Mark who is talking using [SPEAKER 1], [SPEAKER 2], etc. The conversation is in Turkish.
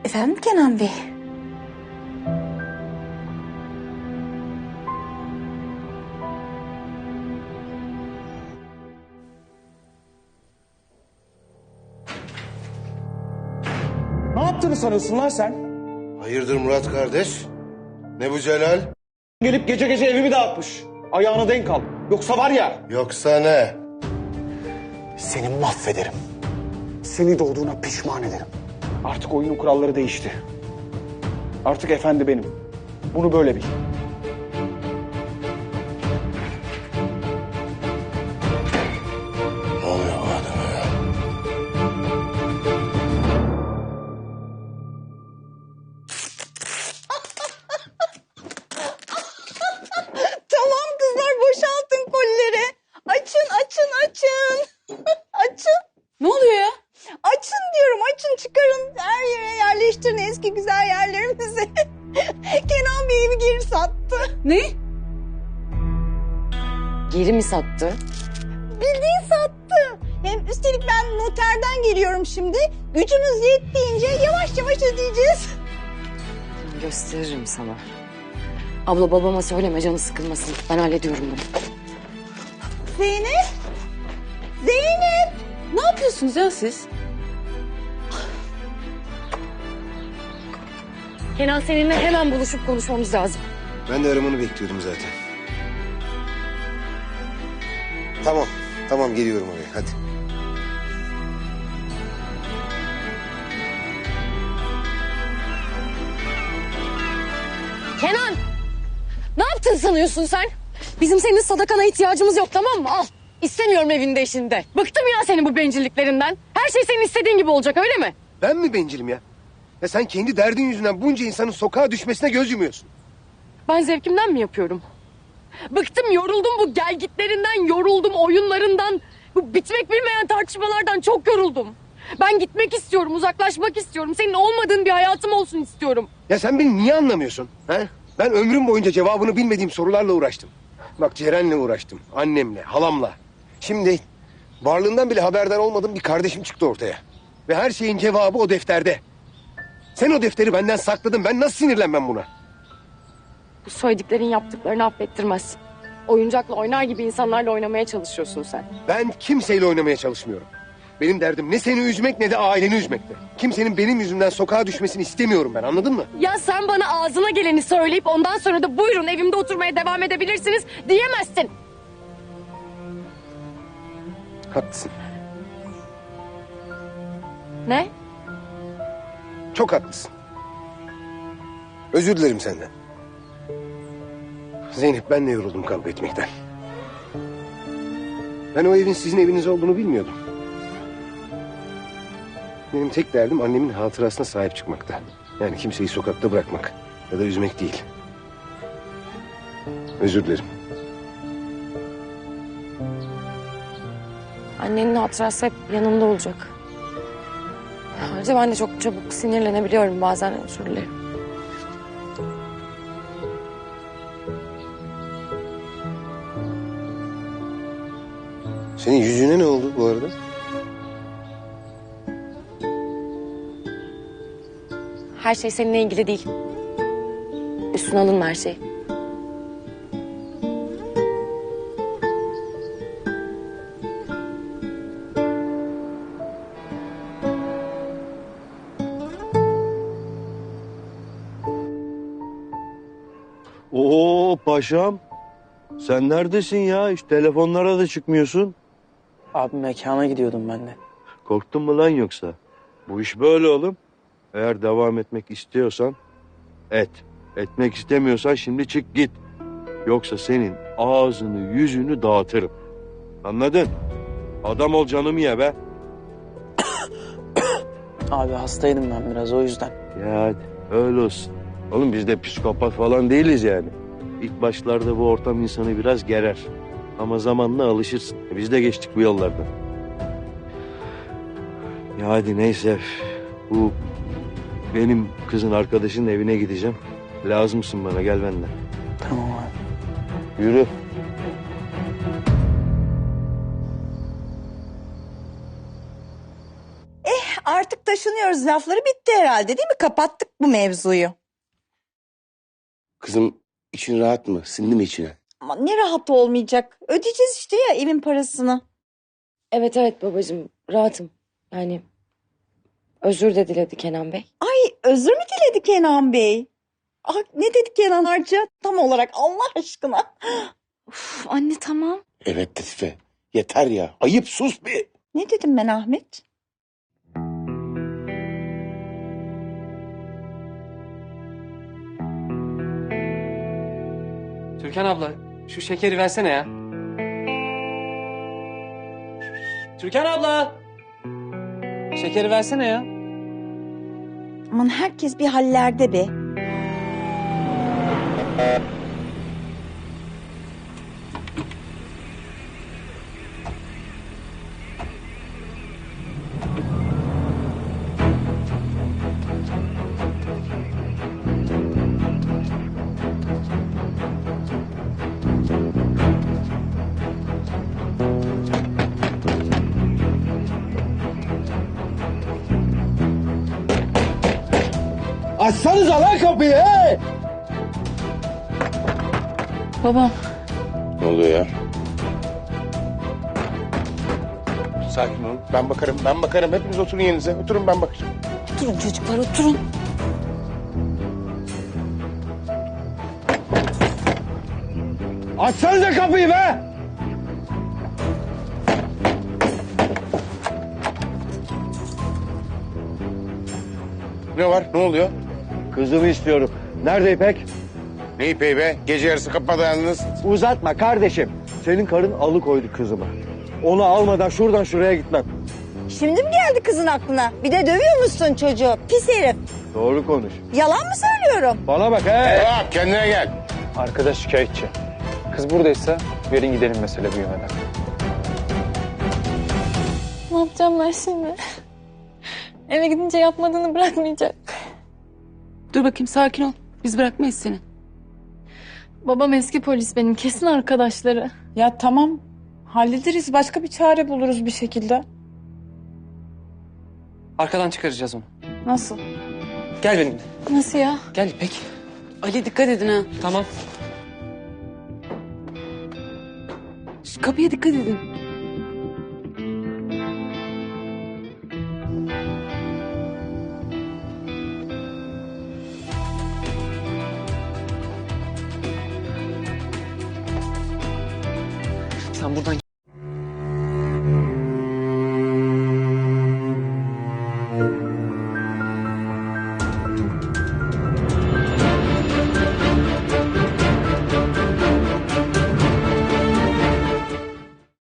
[SPEAKER 1] Efendim Kenan Bey?
[SPEAKER 2] Ne yaptığını sanıyorsun lan sen?
[SPEAKER 3] Hayırdır Murat kardeş? Ne bu Celal?
[SPEAKER 2] Gelip gece gece evimi dağıtmış. Ayağına denk al. Yoksa var ya...
[SPEAKER 3] Yoksa ne?
[SPEAKER 2] Seni mahvederim. Seni doğduğuna pişman ederim. Artık oyunun kuralları değişti. Artık efendi benim. Bunu böyle bil.
[SPEAKER 3] Ne oluyor bu adama ya?
[SPEAKER 4] Tamam kızlar, boşaltın kolileri. Açın. Açın.
[SPEAKER 1] Ne oluyor ya?
[SPEAKER 4] Açın diyorum, açın, çıkarın. Her yere yerleştirin eski güzel yerlerimizi. Kenan Bey evi geri sattı.
[SPEAKER 1] Ne? Geri mi sattı?
[SPEAKER 4] Bildiğin sattı. Hem üstelik ben noterden geliyorum şimdi. Gücümüz yettiğince yavaş yavaş ödeyeceğiz.
[SPEAKER 1] Gösteririm sana. Abla babama söyleme, canı sıkılmasın. Ben hallediyorum bunu.
[SPEAKER 4] Zeynep. Zeynep.
[SPEAKER 1] Ne yapıyorsunuz ya siz? Kenan, seninle hemen buluşup konuşmamız lazım.
[SPEAKER 3] Ben de aramanı bekliyordum zaten. Tamam geliyorum oraya hadi.
[SPEAKER 1] Kenan! Ne yaptın sanıyorsun sen? Bizim senin sadakana ihtiyacımız yok, tamam mı? Al. İstemiyorum evinde işinde. Bıktım ya senin bu bencilliklerinden. Her şey senin istediğin gibi olacak, öyle mi?
[SPEAKER 3] Ben mi bencilim ya? Ya sen kendi derdin yüzünden bunca insanın sokağa düşmesine göz yumuyorsun.
[SPEAKER 1] Ben zevkimden mi yapıyorum? Bıktım, yoruldum bu gelgitlerinden, yoruldum oyunlarından. Bu bitmek bilmeyen tartışmalardan çok yoruldum. Ben gitmek istiyorum, uzaklaşmak istiyorum. Senin olmadığın bir hayatım olsun istiyorum.
[SPEAKER 3] Ya sen beni niye anlamıyorsun? He? Ben ömrüm boyunca cevabını bilmediğim sorularla uğraştım. Bak Ceren'le uğraştım, annemle, halamla. Şimdi varlığından bile haberdar olmadığım bir kardeşim çıktı ortaya. Ve her şeyin cevabı o defterde. Sen o defteri benden sakladın. Ben nasıl sinirlenmem buna?
[SPEAKER 1] Bu söylediklerin yaptıklarını affettirmez. Oyuncakla oynar gibi insanlarla oynamaya çalışıyorsun sen.
[SPEAKER 3] Ben kimseyle oynamaya çalışmıyorum. Benim derdim ne seni üzmek ne de aileni üzmekte. Kimsenin benim yüzümden sokağa düşmesini istemiyorum ben, anladın mı?
[SPEAKER 1] Ya sen bana ağzına geleni söyleyip ondan sonra da buyurun evimde oturmaya devam edebilirsiniz diyemezsin.
[SPEAKER 3] Haklısın.
[SPEAKER 1] Ne?
[SPEAKER 3] Çok haklısın. Özür dilerim senden. Zeynep, ben de yoruldum kavga etmekten. Ben o evin sizin eviniz olduğunu bilmiyordum. Benim tek derdim annemin hatırasına sahip çıkmakta. Yani kimseyi sokakta bırakmak ya da üzmek değil. Özür dilerim.
[SPEAKER 1] Annenin hatırası hep yanımda olacak. Ayrıca ben de çok çabuk sinirlenebiliyorum bazen, özür dilerim.
[SPEAKER 3] Senin yüzüne ne oldu bu arada?
[SPEAKER 1] Her şey seninle ilgili değil. Üstüne alınma her şey.
[SPEAKER 5] Oo paşam. Sen neredesin ya? Hiç telefonlara da çıkmıyorsun.
[SPEAKER 6] Abi mekana gidiyordum ben de.
[SPEAKER 5] Korktun mu lan yoksa? Bu iş böyle oğlum. Eğer devam etmek istiyorsan et. Etmek istemiyorsan şimdi çık git. Yoksa senin ağzını yüzünü dağıtırım. Anladın? Adam ol, canımı ye be.
[SPEAKER 6] Abi hastaydım ben biraz, o yüzden.
[SPEAKER 5] Ya hadi öyle olsun. Oğlum biz de psikopat falan değiliz yani. İlk başlarda bu ortam insanı biraz gerer. Ama zamanla alışırsın. Biz de geçtik bu yollardan. Ya hadi neyse. Bu benim kızın arkadaşının evine gideceğim. Lazımsın bana, gel benden.
[SPEAKER 6] Tamam abi.
[SPEAKER 5] Yürü.
[SPEAKER 4] Artık artık taşınıyoruz lafları bitti herhalde değil mi? Kapattık bu mevzuyu.
[SPEAKER 3] Kızım için rahat mı? Sindi mi içine?
[SPEAKER 4] Ama ne rahat olmayacak. Ödeyeceğiz işte ya evin parasını.
[SPEAKER 1] Evet evet babacığım rahatım. Yani özür de diledi Kenan Bey.
[SPEAKER 4] Ay özür mü diledi Kenan Bey? Ah, ne dedi Kenan Harca tam olarak Allah aşkına?
[SPEAKER 7] Uf, anne tamam.
[SPEAKER 3] Evet Latife. Yeter ya. Ayıp sus bir.
[SPEAKER 4] Ne dedim ben Ahmet?
[SPEAKER 8] Türkan abla şu şekeri versene ya. Türkan abla. Şekeri versene ya.
[SPEAKER 4] Aman herkes bir hallerde be.
[SPEAKER 3] Açsanıza lan kapıyı he!
[SPEAKER 7] Babam.
[SPEAKER 3] Ne oluyor ya? Sakin olun. Ben bakarım. Hepiniz oturun yerinize. Oturun ben bakacağım.
[SPEAKER 7] Oturun çocuklar oturun.
[SPEAKER 3] Açsanıza kapıyı be! Ne var? Ne oluyor?
[SPEAKER 5] Kızımı istiyorum. Nerede İpek?
[SPEAKER 3] Ne ipeği be? Gece yarısı kapıda yalnız.
[SPEAKER 5] Uzatma kardeşim. Senin karın alıkoydu kızımı. Onu almadan şuradan şuraya gitmem.
[SPEAKER 4] Şimdi mi geldi kızın aklına? Bir de dövüyor musun çocuğu? Pis herif.
[SPEAKER 5] Doğru konuş.
[SPEAKER 4] Yalan mı söylüyorum?
[SPEAKER 5] Bana bak he.
[SPEAKER 3] Tamam kendine gel.
[SPEAKER 9] Arkadaş şikayetçi. Kız buradaysa verin gidelim mesele büyümeden.
[SPEAKER 7] Ne yapacağım ben şimdi? Eve gidince yapmadığını bırakmayacak.
[SPEAKER 10] Dur bakayım sakin ol. Biz bırakmayız seni.
[SPEAKER 7] Babam eski polis benim. Kesin arkadaşları.
[SPEAKER 11] Ya tamam. Hallederiz. Başka bir çare buluruz bir şekilde.
[SPEAKER 8] Arkadan çıkaracağız onu.
[SPEAKER 11] Nasıl?
[SPEAKER 8] Gel benimle.
[SPEAKER 7] Nasıl ya?
[SPEAKER 8] Gel İpek.
[SPEAKER 10] Ali dikkat edin ha.
[SPEAKER 8] Tamam.
[SPEAKER 10] Şu kapıya dikkat edin.
[SPEAKER 8] Sen buradan